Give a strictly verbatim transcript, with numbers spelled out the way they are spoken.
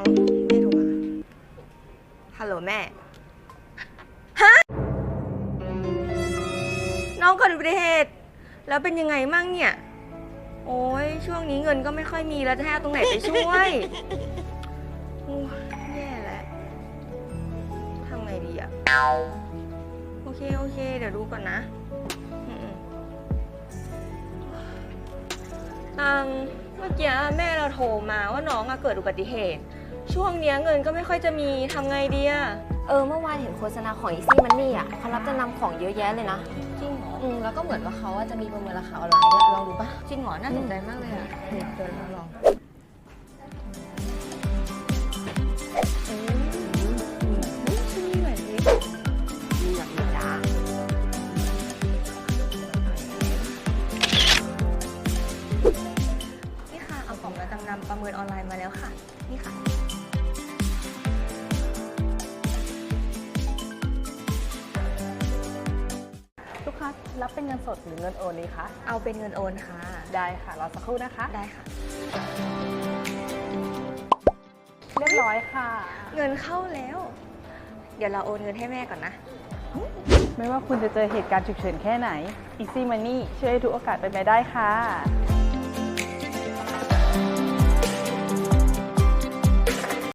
เอาแม่โทรมาฮัลโหลแม่ฮะน้องเกิดอุบัติเหตุแล้วเป็นยังไงมั่งเนี่ยโอ้ยช่วงนี้เงินก็ไม่ค่อยมีแล้วจะให้เอาตรงไหนไปช่วยโอ้ยแย่แล้วทำไงดีอะโอเคโอเคเดี๋ยวดูก่อนนะตังเมื่อกี้แม่เราโทรมาว่าน้องอะเกิดอุบัติเหตุช่วงนี้เงินก็ไม่ค่อยจะมีทำไงดีอะเออเมื่อวานเห็นโฆษณาของ Easy Money อ่ะเขารับจำนำของเยอะแยะเลยนะจริงเหรออืมแล้วก็เหมือนว่าเขาจะมีประเมินราคาออนไลน์ด้วยลองดูปะจริงเหรอน่าสนใจมากเลยอะเดี๋ยวเราลองนี่เหมือนดิมีแบบนี้จ้านี่ค่ะเอาของมาจำนำประเมินออนไลน์มาแล้วค่ะนี่ค่ะลูกค้ารับเป็นเงินสดหรือเงินโอนดีคะเอาเป็นเงินโอนค่ะได้ค่ะรอสักครู่นะคะได้ค่ะเรียบร้อยค่ะเงินเข้าแล้วเดี๋ยวเราโอนเงินให้แม่ก่อนนะไม่ว่าคุณจะเจอเหตุการณ์ฉุกเฉินแค่ไหน Easy Money ช่วยให้ทุกโอกาสเป็นไปได้ค่ะ